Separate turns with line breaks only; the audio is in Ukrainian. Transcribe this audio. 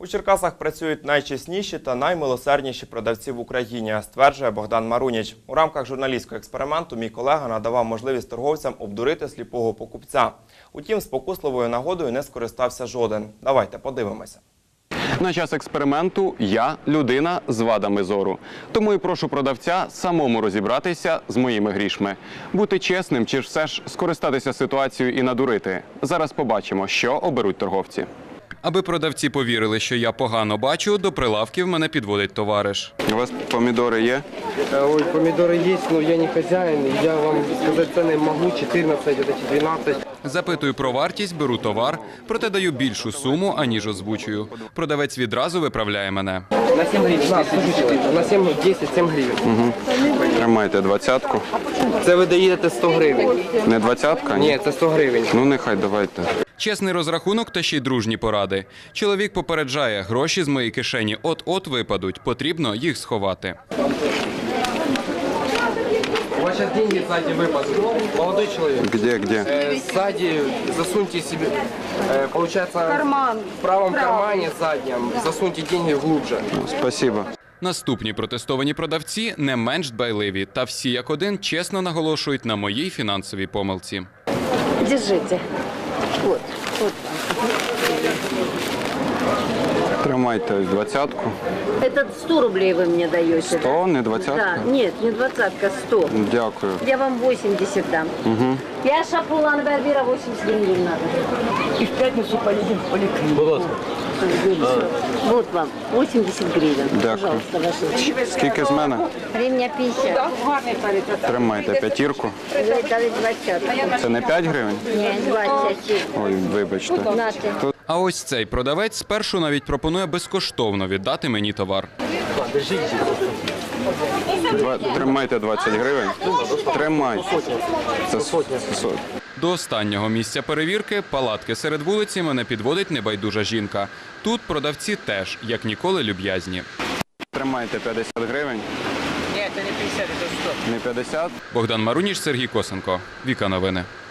У Черкасах працюють найчесніші та наймилосердніші продавці в Україні, стверджує Богдан Маруніч. У рамках журналістського експерименту мій колега надавав можливість торговцям обдурити сліпого покупця. Утім, спокусливою нагодою не скористався жоден. Давайте подивимося.
На час експерименту я – людина з вадами зору. Тому і прошу продавця самому розібратися з моїми грішми. Бути чесним чи ж все ж скористатися ситуацією і надурити. Зараз побачимо, що оберуть торговці. Аби продавці повірили, що я погано бачу, до прилавків мене підводить товариш. У вас помідори є?
Ой, помидоры есть, но я не хозяин. Я вам сказать цены могу, 14, вот эти 12.
Запитую про вартість, беру товар, проте даю більшу суму, аніж озвучую. Продавець відразу виправляє мене.
На 7 гривен. На 7, 10, 7 гривен.
Тримайте 20-ку.
Це ви даєте 100 гривень.
Не 20-ка?
Ні, це 100 гривень.
Ну, нехай, давайте. Чесний розрахунок та ще й дружні поради. Чоловік попереджає, гроші з моєї кишені от-от випадуть, потрібно їх сховати.
У вас сейчас деньги сзади выпадут. Молодой человек.
Где?
Сзади засуньте себе, получается, в правом кармане заднем, засуньте деньги глубже.
Спасибо. Наступні протестовані продавці не менш дбайливі, та всі як один чесно наголошують на моїй фінансовій помилці.
Держите. Вот.
Тримайте 20-ку.
Это 100 рублей вы мне даете.
100, не 20-ка?
Да, нет, не 20-ка, 100.
Дякую.
Я вам 80 дам. Я Шапулан Барбира 80 гривен надо.
И в пятницу поедем в поликлинику.
Вот вам 80 гривен.
Дякую.
Пожалуйста, ваши.
Скільки з мене?
Гривня 50.
Тримайте п'ятірку.
Вы дали 20.
Це не 5 гривень?
Нет, 20.
Ой, вибачте.
Нате.
А ось цей продавець спершу навіть пропонує безкоштовно віддати мені товар. Тримайте 20 гривень. Тримайте. Це сотня. До останнього місця перевірки, палатки серед вулиці, мене підводить небайдужа жінка. Тут продавці теж, як ніколи, люб'язні. Тримайте 50 гривень.
Нет, это не 50, это 100.
Не 50? Богдан Маруніч, Сергій Косенко. Віка Новини.